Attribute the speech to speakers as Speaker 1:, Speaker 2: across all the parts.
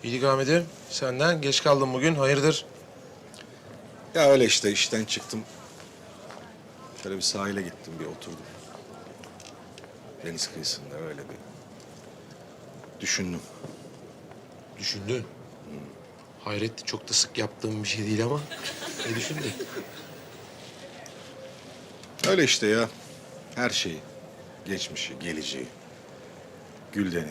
Speaker 1: İyilik Ahmet'im. Senden geç kaldım bugün. Hayırdır?
Speaker 2: Ya öyle işte işten çıktım. Şöyle bir sahile gittim, bir oturdum. Deniz kıyısında öyle bir düşündüm.
Speaker 1: Düşündün. Hayret, çok da sık yaptığım bir şey değil ama. Ne düşündün?
Speaker 2: Öyle işte ya. Her şeyi. Geçmişi, geleceği. Gülden'i.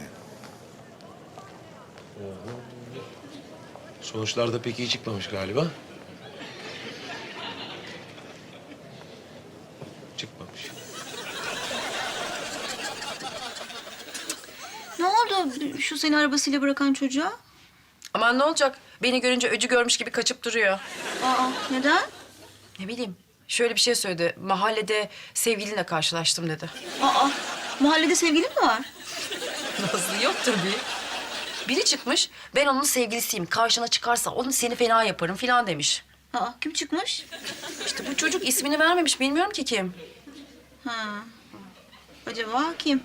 Speaker 1: Sonuçlar da pek iyi çıkmamış galiba. Çıkmamış.
Speaker 3: Ne oldu şu seni arabasıyla bırakan çocuğa?
Speaker 4: Aman ne olacak? Beni görünce öcü görmüş gibi kaçıp duruyor.
Speaker 3: Aa, neden?
Speaker 4: Ne bileyim. Şöyle bir şey söyledi. Mahallede sevgilinle karşılaştım dedi.
Speaker 3: Aa, mahallede sevgilin mi var?
Speaker 4: Nazlı yok tabii. Biri çıkmış, ben onun sevgilisiyim. Karşına çıkarsa onu seni fena yaparım falan demiş.
Speaker 3: Aa, kim çıkmış?
Speaker 4: İşte bu çocuk ismini vermemiş. Bilmiyorum ki kim.
Speaker 3: Ha, acaba kim?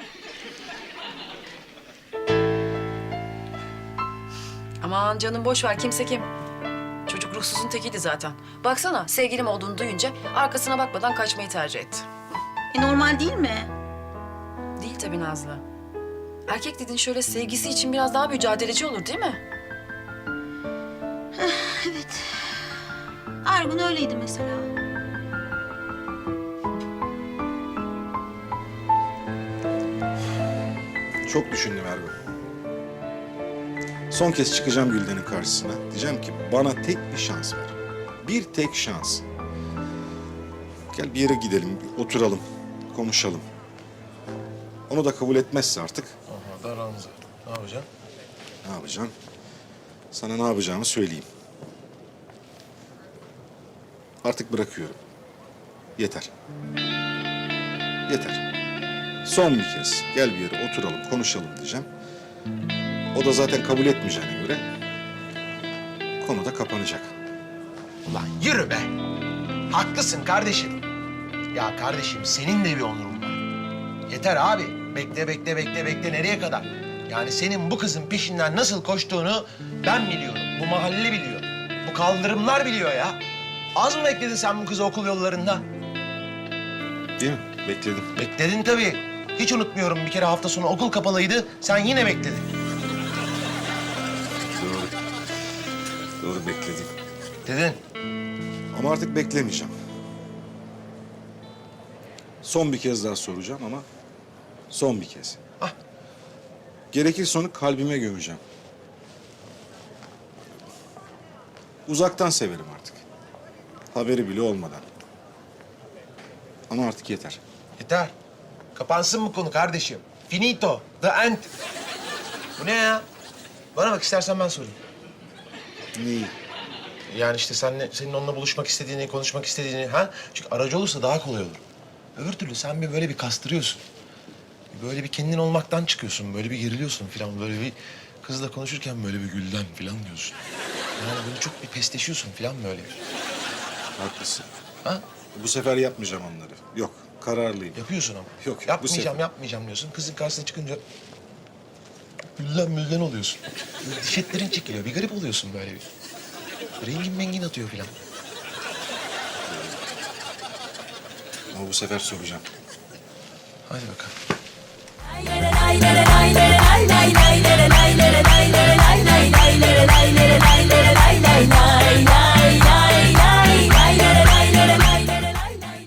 Speaker 4: Aman canım boş ver. Kimse kim? Çocuk ruhsuzun tekiydi zaten. Baksana sevgilim olduğunu duyunca arkasına bakmadan kaçmayı tercih etti.
Speaker 3: Normal değil mi?
Speaker 4: Değil tabii Nazlı. Erkek dediğin şöyle sevgisi için biraz daha mücadeleci olur değil mi?
Speaker 3: Evet. Ergun öyleydi mesela.
Speaker 2: Çok düşündüm Ergun. Son kez çıkacağım Gülden'in karşısına. Diyeceğim ki bana tek bir şans ver. Bir tek şans. Gel bir yere gidelim, bir oturalım, konuşalım. Onu da kabul etmezse artık
Speaker 1: Aha da Ranza. Ne yapacaksın?
Speaker 2: ne yapacağım? Sana ne yapacağımı söyleyeyim. Artık bırakıyorum. Yeter. Yeter. Son bir kez gel bir yere oturalım, konuşalım diyeceğim. O da zaten kabul etmeyeceğine göre konu da kapanacak.
Speaker 1: Ulan yürü be. Haklısın kardeşim. Ya kardeşim senin de bir onurun var. Yeter abi. Bekle. Nereye kadar? Yani senin bu kızın peşinden nasıl koştuğunu ben biliyorum. Bu mahalle biliyor. Bu kaldırımlar biliyor ya. Az mı bekledin sen bu kızı okul yollarında?
Speaker 2: Değil mi? Bekledim.
Speaker 1: Bekledin tabii. Hiç unutmuyorum, bir kere hafta sonu okul kapalıydı. Sen yine bekledin.
Speaker 2: Doğru. Doğru bekledim.
Speaker 1: Dedin.
Speaker 2: Ama artık beklemeyeceğim. Son bir kez daha soracağım ama son bir kez.
Speaker 1: Hah.
Speaker 2: Gerekirse onu kalbime gömeceğim. Uzaktan severim artık. Haberi bile olmadan. Ama artık yeter.
Speaker 1: Yeter. Kapansın bu konu kardeşim. Finito. The end. Bu ne ya? Bana bak, istersen ben sorayım.
Speaker 2: Neyi?
Speaker 1: Yani işte senin onunla buluşmak istediğini, konuşmak istediğini, ha? Çünkü aracı olursa daha kolay olur. Öbür türlü sen bir böyle bir kastırıyorsun. Böyle bir kendin olmaktan çıkıyorsun, böyle bir geriliyorsun falan. Böyle bir kızla konuşurken böyle bir Gülden falan diyorsun. Yani böyle çok bir pesteşiyorsun falan böyle.
Speaker 2: Haklısın.
Speaker 1: Ha?
Speaker 2: Bu sefer yapmayacağım onları. Yok, kararlıyım.
Speaker 1: Yapıyorsun ama.
Speaker 2: Yok, bu
Speaker 1: Yapmayacağım,
Speaker 2: sefer.
Speaker 1: yapmayacağım diyorsun. Kızın karşısına çıkınca Gülden oluyorsun. Böyle diş etlerin çekiliyor. Bir garip oluyorsun böyle bir. Rengin mengin atıyor falan.
Speaker 2: Ama bu sefer soracağım.
Speaker 1: Hadi bakalım.
Speaker 5: Ay,